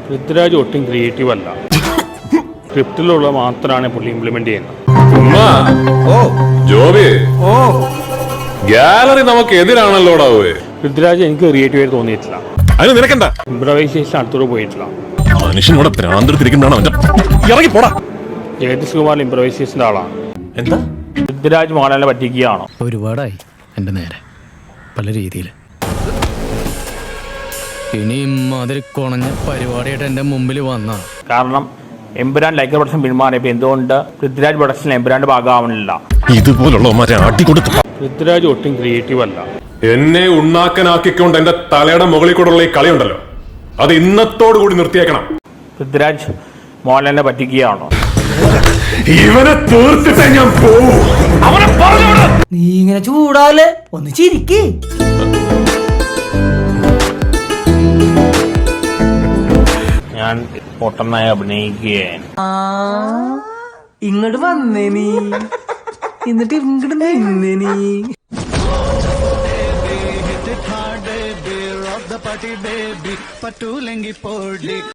പൃഥ്വിരാജ് ഒട്ടും ക്രിയേറ്റീവ് അല്ല. സ്ക്രിപ്റ്റിലുള്ള മാത്രമാണ് പുള്ളി ഇംപ്ലിമെന്റ് ചെയ്യുന്നത്. ഗാലറി നമുക്ക് എതിരാണല്ലോടാവേ. പൃഥ്വിരാജ് എനിക്ക് ക്രിയേറ്റീവായിട്ട് തോന്നിയിട്ടില്ല. അത് നിനക്കെന്താ? ഇംപ്രവൈസേഷൻ അടുത്തോട് പോയിട്ടില്ല. മനുഷ്യനോട് ഇറങ്ങി പോടാ. ജഗദീഷ് കുമാർ ഇംപ്രവൈസേഷന്റെ ആളാണ്. എന്താ പൃഥ്വിരാജ് മോഹൻലാലിനെ പറ്റിക്കുകയാണോ? ഒരുപാടായി എൻ്റെ നേരെ പല രീതിയിൽ. ഇനിയും അതിൽ കുണഞ്ഞ പരിപാടിയായിട്ട് എൻ്റെ മുമ്പിൽ വന്ന കാരണം എമ്പുരാൻ ലൈക്കർ പ്രൊഡക്ഷൻ പിന്മാറിയപ്പോൾ എന്തുകൊണ്ട് പൃഥ്വിരാജ് പ്രൊഡക്ഷൻ എമ്പുരാന്റെ ഭാഗമാവുന്നില്ല? ഇതുപോലുള്ള പൃഥ്വിരാജ് ഒട്ടും ക്രിയേറ്റീവ് അല്ല. എന്നെ ഉണ്ണാക്കനാക്കിക്കൊണ്ട് എന്റെ തലയുടെ മുകളിൽ കൂടെയുള്ള ഈ കളി ഉണ്ടല്ലോ, അത് ഇന്നത്തോടു കൂടി നിർത്തിയേക്കണം. പൃഥ്വിരാജ് മോഹൻലാലിനെ പറ്റിക്കുകയാണോ? ഇവനെ തീർത്തിട്ടേ ഞാൻ പോവും. അവനെ പറഞ്ഞോട്. നീ ഇങ്ങനെ ചൂടാല് ഒന്ന് ചിരിക്ക്. ഞാൻ പൊട്ടനായി അഭിനയിക്കുകയാണ്. ഇങ്ങോട്ട് വന്നേ നീ, എന്നിട്ട് ഇങ്ങോട്ട് നിന്നേ നീ.